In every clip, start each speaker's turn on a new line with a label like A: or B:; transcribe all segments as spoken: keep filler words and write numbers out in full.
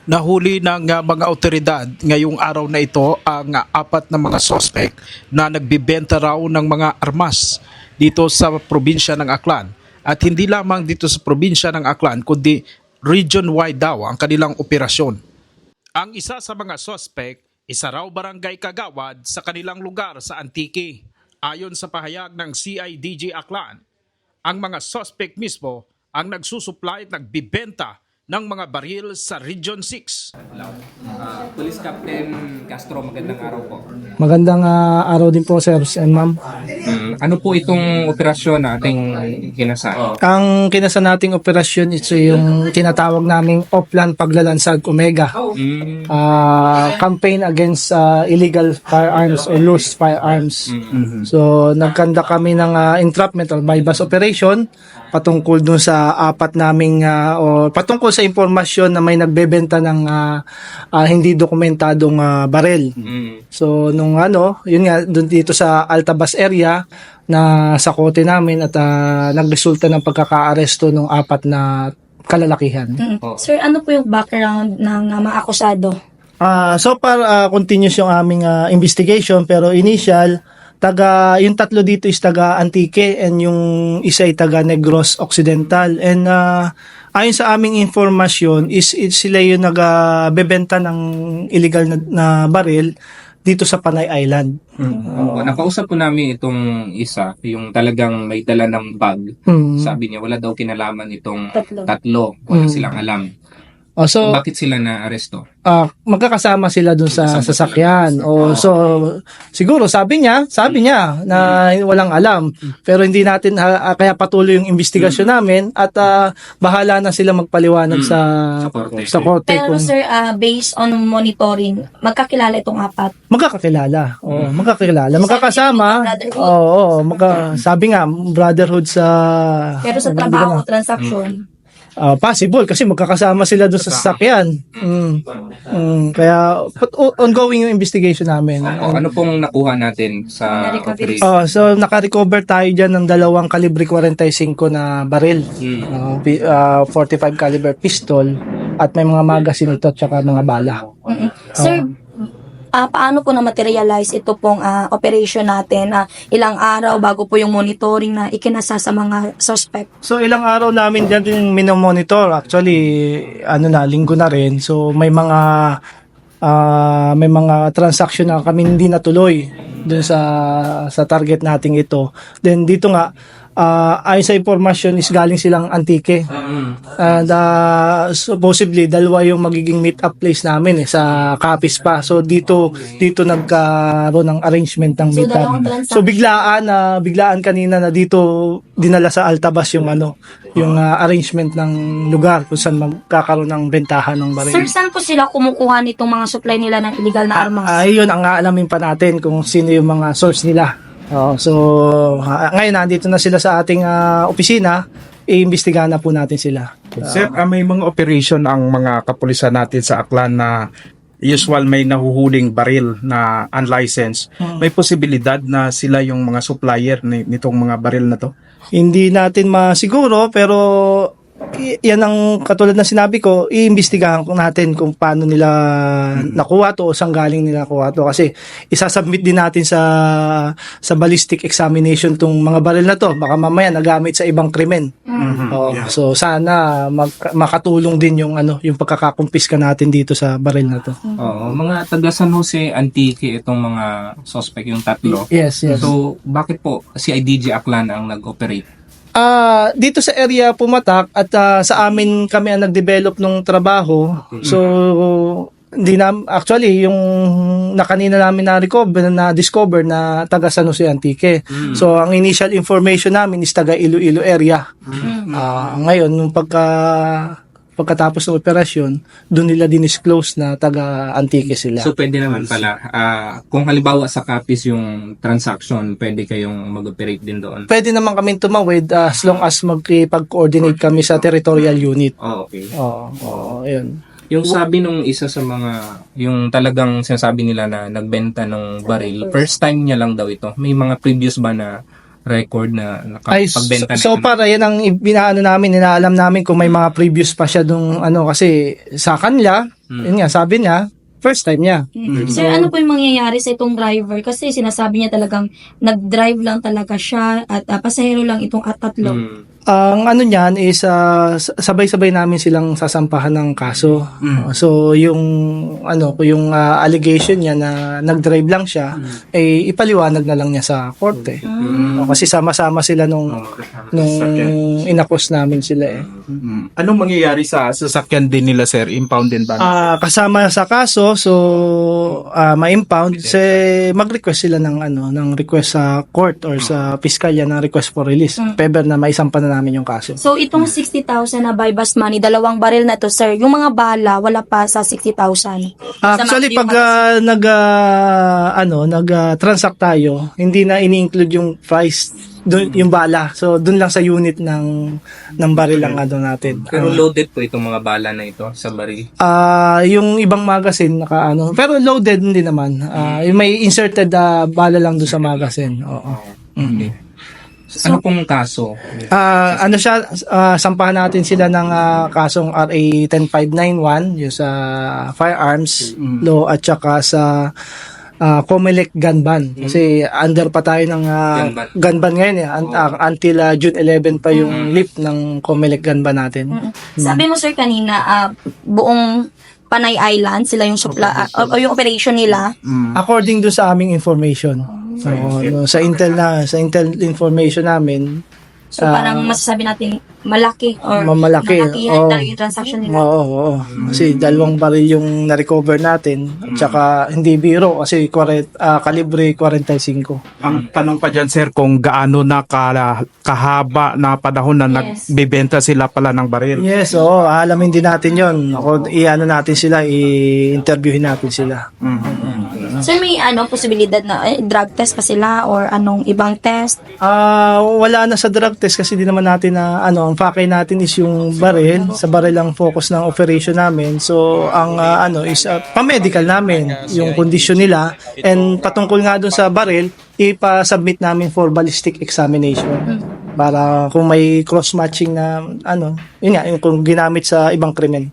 A: Nahuli ng uh, mga otoridad ngayong araw na ito ang uh, apat na mga suspect na nagbibenta raw ng mga armas dito sa probinsya ng Aklan. At hindi lamang dito sa probinsya ng Aklan kundi region-wide daw ang kanilang operasyon. Ang isa sa mga suspect, isa raw barangay kagawad sa kanilang lugar sa Antique. Ayon sa pahayag ng C I D J Aklan, ang mga suspect mismo ang nagsusupply at nagbibenta ng mga baril sa Region six.
B: Uh, Police Captain Castro, magandang araw po.
C: Magandang ah, araw din po, sir and ma'am.
B: Mm, ano po itong operasyon na ating kinasa?
C: Ang kinasa nating operasyon is yung tinatawag naming Oplan Paglalansag Omega.
B: Mm,
C: Ah, campaign against ah, illegal firearms or loose firearms. So, nagkanda kami ng ah, entrapment or bypass operation patungkol dun sa apat naming ah, o patungkol sa impormasyon na may nagbebenta ng ah, ah, hindi dokumentadong ah, barel.
B: mm,
C: So nung ano, yun nga doon dito sa Altabas area na sa kote namin at ah, nagresulta ng pagkakaaresto ng apat na kalalakihan.
D: Mm.
B: Oh.
D: Sir, ano po yung background ng uh, mga akusado?
C: Ah, so far ah, continuous yung aming ah, investigation pero initial taga yung tatlo dito is taga Antique and yung isa ay taga Negros Occidental and ah, ayon sa aming informasyon is, is sila yung nagbebenta ng illegal na, na baril dito sa Panay Island.
B: Oo, nakausap po namin itong isa, yung talagang may dala ng bag.
C: Mm.
B: Sabi niya, wala daw kinalaman itong
D: Tatlo.
B: tatlo. Wala
C: Mm.
B: silang alam.
C: Oh, so
B: Bakit sila na-aresto?
C: ah magkakasama sila dun sa
B: Magkakasama
C: sasakyan.
B: sila.
C: O so siguro sabi niya, sabi niya na walang alam. Pero hindi natin ah, kaya patuloy yung investigasyon namin at ah, bahala na sila magpaliwanag
B: Mm.
C: sa
B: Sa korte.
C: sa korte
D: Pero
C: kung
D: sir, uh, based on monitoring, magkakilala itong apat.
C: magkakakilala. Oo,
B: Mm.
C: magkakilala. Magkakasama.
D: Brotherhood.
C: Oo, oo, magka, sabi nga brotherhood sa
D: Pero sa
C: hindi
D: trabaho,
C: ko na-
D: transaction,
C: Ah, possible kasi magkakasama sila doon sa sasakyan. Mm. Mm. Kaya but, o- ongoing yung investigation namin.
B: O, ano pong nakuha natin sa
D: Na-recovery.
B: operation?
C: Oh, so naka-recover tayo diyan ng dalawang kalibre forty-five na baril.
B: Mm.
C: Uh, pi- uh, forty-five caliber pistol at may mga magazine ito at saka mga bala.
D: Mm-mm. Sir, ah, paano po na-materialize ito pong ah, operation natin? Ah, ilang araw bago po yung monitoring na ikinasa sa mga suspect?
C: So ilang araw namin diyan din minomonitor. Actually, ano na, linggo na rin. So may mga ah, may mga transaction na kami hindi natuloy dun sa sa target nating ito. Then dito nga uh, ayon sa informasyon is galing silang Antique.
B: Mm.
C: And uh, supposedly dalawa yung magiging meet up place namin eh, sa Capiz pa. So dito dito nagkaroon ng arrangement ng
D: So,
C: meet up.
D: dalawang transaction.
C: So biglaan na biglaan kanina na dito dinala sa Altabas yung ano, yung uh, arrangement ng lugar kung saan magkakaroon ng bentahan ng baril.
D: Sir, saan po sila kumukuha nitong mga supply nila ng illegal na armas?
C: Ay, yun ang aalamin pa natin kung sino yung mga source nila. Oh, so ha- ngayon nandito na sila sa ating ah, opisina, iimbestigahan na po natin sila.
A: Sir, ah, may mga operation ang mga kapulisan natin sa Aklan na usual may nahuhuling baril na unlicensed. May posibilidad na sila yung mga supplier ni- nitong mga baril na to?
C: Hindi natin masiguro pero i- yan ang katulad ng sinabi ko, iimbestigahan ko natin kung paano nila nakuha to o saan galing nila nakuha to kasi isasubmit din natin sa sa ballistic examination tong mga baril na to baka mamaya nagamit sa ibang krimen. Oo, so sana mag- makatulong din yung ano yung pagkakakumpiska natin dito sa baril na to.
B: Oo, mga taga San Jose Antique itong mga suspect, yung tatlo.
C: Yes, yes.
B: So, bakit po C I D J Aklan ang nag-operate?
C: Ah, dito sa area Pumatak at ah, sa amin kami ang nag-develop ng trabaho. So hindi na actually yung nakanina namin na recover na discover na taga San Jose Antique. So ang initial information namin is taga Iloilo area. Ah, ngayon nung pagka pagkatapos ng operasyon, doon nila dinisclose na taga Antique sila.
B: So, pwede naman pala. ah, kung halimbawa sa Capiz yung transaction, pwede kayong mag-operate din doon.
C: Pwede naman kami tumawid ah, as long as magkipag-coordinate kami sa territorial unit.
B: Oh, okay.
C: Oo, oo, yun.
B: Yung sabi nung isa sa mga, yung talagang sinasabi nila na nagbenta ng baril, first time niya lang daw ito. May mga previous ba na record na
C: Ay, so,
B: nakapagbenta
C: so
B: na?
C: para yan ang binaano namin, inaalam namin kung may mga previous pa siya dung ano kasi sa kanila Yun nga, sabi niya, first time niya.
D: Mm. Sir, ano po yung mangyayari sa itong driver? Kasi sinasabi niya talagang nag-drive lang talaga siya at ah, pasahero lang itong at tatlo.
B: Mm.
C: Ang ano niyan is ah, s- sabay-sabay namin silang sasampahan ng kaso.
A: Mm.
C: So yung ano, yung ah, allegation niya na nag-drive lang siya, eh ipaliwanag na lang niya sa korte. O, kasi sama-sama sila nung nung inakos namin sila eh.
A: Mm. Anong mangyayari sa sasakyan din nila, sir? Impound din ba?
C: Ah, kasama sa kaso, so ah, ma-impound, se mag-request sila ng ano, ng request sa court or sa piskalya ng request for release.
D: Mm.
C: Pebber na maisampa na namin yung kaso.
D: So, itong sixty thousand na buy bust money, dalawang baril na to, sir. Yung mga bala, wala pa sa sixty thousand.
C: Actually, pag ah, nag ah, ano, nag-transact tayo, hindi na ini-include yung price, dun, yung bala. So, dun lang sa unit ng ng baril ang ano natin.
B: Pero loaded po itong mga bala na ito sa baril.
C: Ah, yung ibang magazine naka ano, pero loaded hindi naman. Ah, yung may inserted ah, bala lang doon sa magazine. Oo.
B: Okay. Ano pong kaso?
C: Ah, ano siya, ah, sampahan natin sila ng ah, kasong R A one five nine one, yung sa firearms law at saka sa ah, COMELEC gun ban. Kasi under pa tayo ng ah,
B: Gun ban.
C: gun ban ngayon eh. Un- ah, until ah, June eleventh pa yung lift ng COMELEC gun ban natin.
D: Sabi mo, sir, kanina, ah, buong Panay Island, sila yung supla, ah, o, o yung operation nila.
C: According do sa aming information. So, ano, sa intel na sa intel information namin,
D: So, parang masasabi natin malaki or
C: Mamalaki,
D: malakihan
C: oo.
D: talaga yung transaction nila.
C: oo, oo. Kasi dalawang baril yung na-recover natin. At saka hindi biro kasi kwaret, ah, kalibre forty-five.
A: Ang tanong pa dyan, sir, kung gaano na kala- kahaba na panahon na
D: Yes.
A: nagbibenta sila pala ng baril.
C: Yes, oo. Alamin din natin yon. Ako, i-ano natin sila, i-interviewin natin sila.
D: Sir, may ano, posibilidad na eh, drug test pa sila or anong ibang test?
C: Ah, wala na sa drug test kasi di naman natin na ano, ang fakay natin is yung baril. Sa baril ang focus ng operation namin. So, ang ah, ano is ah, pa-medical namin yung kondisyon nila and patungkol nga doon sa baril, ipa-submit namin for ballistic examination. Para kung may cross-matching na ano, yun nga, yung kung ginamit sa ibang krimen.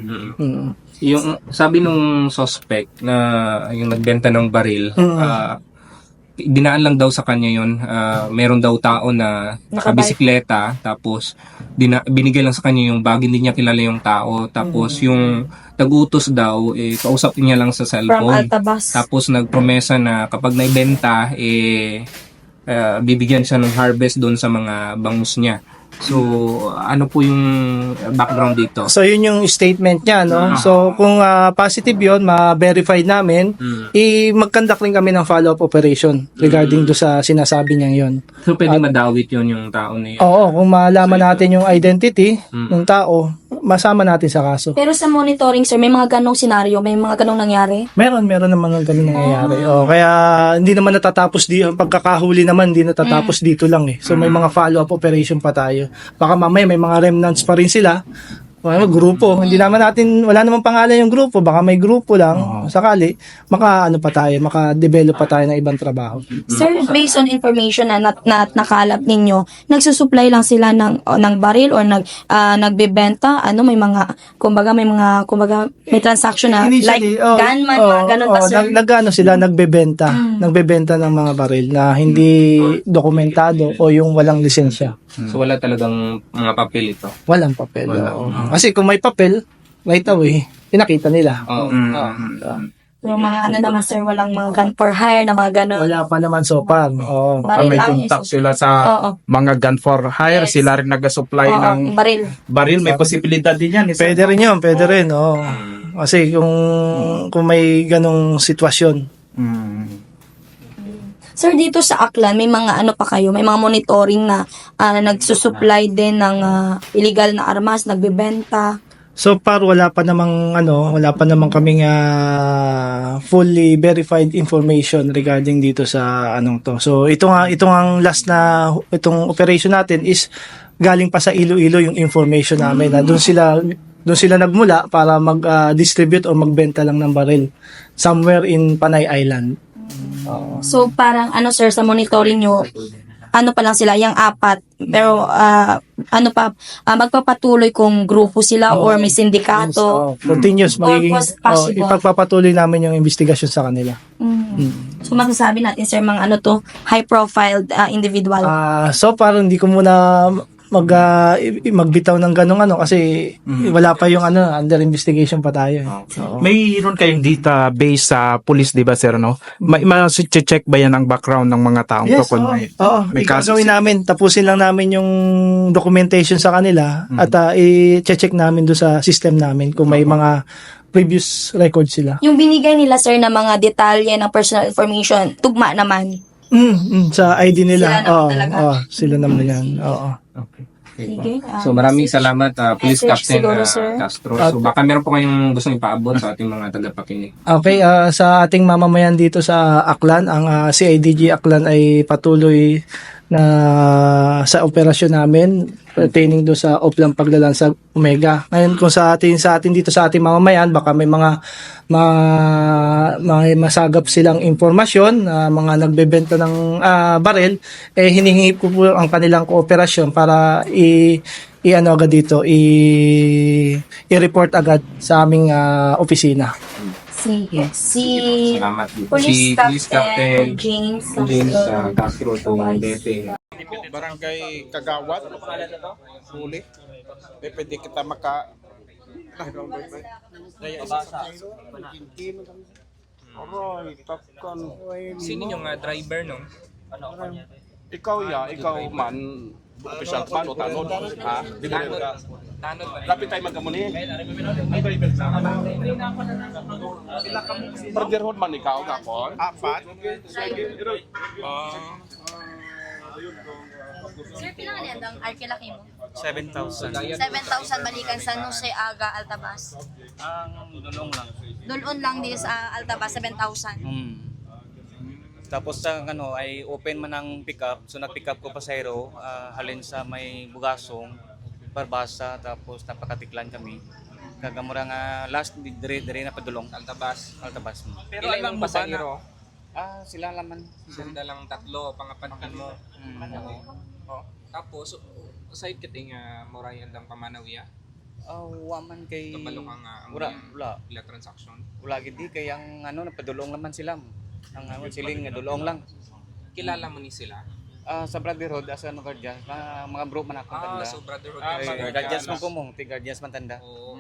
C: Mm.
B: Yung sabi nung suspect na yung nagbenta ng baril, ah, dinaan lang daw sa kanya yun. Ah, meron daw tao na nakabisikleta, tapos dina, binigay lang sa kanya yung bag, hindi niya kilala yung tao. Tapos yung nag-utos daw, eh, kausap niya lang sa
D: From
B: cellphone.
D: Altabas.
B: Tapos nagpromesa na kapag naibenta, eh, ah, bibigyan siya ng harvest doon sa mga bangus niya. So, ano po yung background dito?
C: So yun yung statement niya, no? So kung ah, positive yun, ma-verify namin, i mag-conduct rin kami ng follow-up operation regarding do sa sinasabi niya yon.
B: So, pwede madawit yun yung tao na yun.
C: Oo, kung malaman natin yung identity ng tao, masama natin sa kaso.
D: Pero sa monitoring, sir, may mga ganong senaryo, may mga ganong nangyari?
C: Meron, meron naman ng ganun nangyayari. Oh, kaya hindi naman natatapos di ang pagkakahuli naman hindi natatapos dito lang eh. So may mga follow-up operation pa tayo. Baka mamaya may mga remnants pa rin sila. Well, grupo. Hindi naman natin, wala namang pangalan yung grupo. Baka may grupo lang. Sakali, maka ano pa tayo, maka-develop pa tayo ng ibang trabaho.
D: Sir, based on information na, nat, na nakalap ninyo, nagsusupply lang sila ng o, ng baril or nag ah, nagbebenta, ano may mga kumbaga may mga kumbaga may transaction na like
C: oh,
D: gunman,
C: oh,
D: mga ganun pa,
C: oh,
D: sir.
C: nag, nag- ano sila, nagbebenta. Nagbebenta ng mga baril na hindi dokumentado o yung walang lisensya.
B: So, wala talagang mga papel ito.
C: Walang papel. oo. Kasi kung may papel, right away, pinakita nila.
B: Oo.
D: So, mga ano naman, sir, walang mga gun for hire na mga ganun.
C: Wala pa naman so far. Oo.
A: Ah,
D: Baril
A: may
D: lang.
A: contact sila sa
D: Oo.
A: mga gun for hire.
D: Yes.
A: Sila rin nag-supply
D: Oo,
A: ng
D: baril.
A: baril. May posibilidad din yan. eh, sir.
C: Pwede rin yun, pwede rin. Oo. Kasi kung kung may ganong sitwasyon.
A: Mm.
D: Sir, dito sa Aklan, may mga ano pa kayo, may mga monitoring na ah, nagsusupply din ng ah, illegal na armas, nagbebenta.
C: So far wala pa namang ano, wala pa namang kaming ah, fully verified information regarding dito sa anong to. So ito nga itong ang last na itong operation natin is galing pa sa Iloilo yung information namin na doon sila doon sila nagmula para mag-distribute o magbenta lang ng baril somewhere in Panay Island.
D: So, parang ano, sir, sa monitoring nyo, ano pa lang sila, yung apat. Pero ah, ano pa, ah, magpapatuloy kung grupo sila or may sindikato.
C: Oh, continuous.
D: Or
C: Magiging,
D: pos-
C: oh,
D: possible.
C: ipagpapatuloy namin yung investigasyon sa kanila.
D: Mm. So masasabi natin sir, mga ano to, high profile ah, individual.
C: Ah, so parang hindi ko muna mag ah, i- i- magbitaw ng ganong ano kasi wala pa yung ano, under investigation pa tayo. eh. Oo.
A: Mayroon kayong database sa police, di ba, sir, no? May ma-check ba yan ang background ng mga taong to?
C: Yes,
A: Kung
C: oo.
A: may,
C: Oo,
A: may kaso
C: gagawin namin. Tapusin lang namin yung documentation sa kanila at ah, i-check namin doon sa system namin kung may mga previous record sila.
D: Yung binigay nila sir na mga detalye ng personal information, tugma naman.
C: Mm, mm, sa I D nila.
D: Sila naman
C: Oo,
D: talaga.
C: oo, sila naman yan. Oo.
D: Sige. ah,
B: So maraming salamat uh, Police
D: Message
B: Captain
D: siguro,
B: uh,
D: sir.
B: Castro. So baka meron po kayong gustong ipaabot sa ating mga tagapakinig.
C: Okay, ah, sa ating mamamayan dito sa Aklan, ang ah, C I D G Aklan ay patuloy na sa operasyon namin pertaining do sa Oplang Paglalansag Omega. Ngayon kung sa atin sa atin dito sa ating mamamayan baka may mga ma, mga masagap silang impormasyon na mga nagbebenta ng ah, barel eh hinihingi ko po ang kanilang kooperasyon para i i-ano agad dito i i-report agad sa aming ah, opisina.
D: Sige. Si
B: Salamat.
D: Police
B: Si Police Captain
D: Captain James
B: James
D: Castro.
B: uh, Castro Tondete.
A: Barangay Kagawad, huli. Pwede kita maka...
B: Sino yung uh, driver no?
E: Ikaw ya, ikaw man, official pa o tanod, ha?
B: Tanod. Tanod ba?
E: Lapit tayo magkamuni. Brotherhood man ikaw, kapon?
A: Apat.
F: Sir, pila nga ang arkelaki mo?
G: seven thousand.
F: seven thousand balikan sa Nuse Aga, Altabas.
G: Ang dulong lang.
F: Dulon lang di sa Altabas, seven thousand.
G: Hmm. Tapos sa ano ay open man ang pickup. So nag-pick up ko pasahero ah, halin sa may Bugasong, Barbasa, tapos napakatiklan kami. Kagamura nga last dire dire na padulong Altabas, Altabas.
B: Pero alam mo ba na
G: Ah, sila laman.
B: sanda lang tatlo pangapankan mo.
G: Hmm.
B: Oh. Tapos aside kiting uh, moray andang pamanawiya,
G: Ah, wa man kay
B: kabalo kang uh,
G: wala, wala.
B: ila transaction.
G: Wala gid di kay ang ano napadulong naman sila. Ang ano siling nga dulong lang.
B: Kilala mo ni sila?
G: Ah, sa Brotherhood asa ano guardians, mga, mga bro man ako
B: Ah,
G: tanda.
B: so brotherhood.
G: Ah,
B: kayo.
G: guardians man ko mo, ti guardians man tanda.
B: Oo.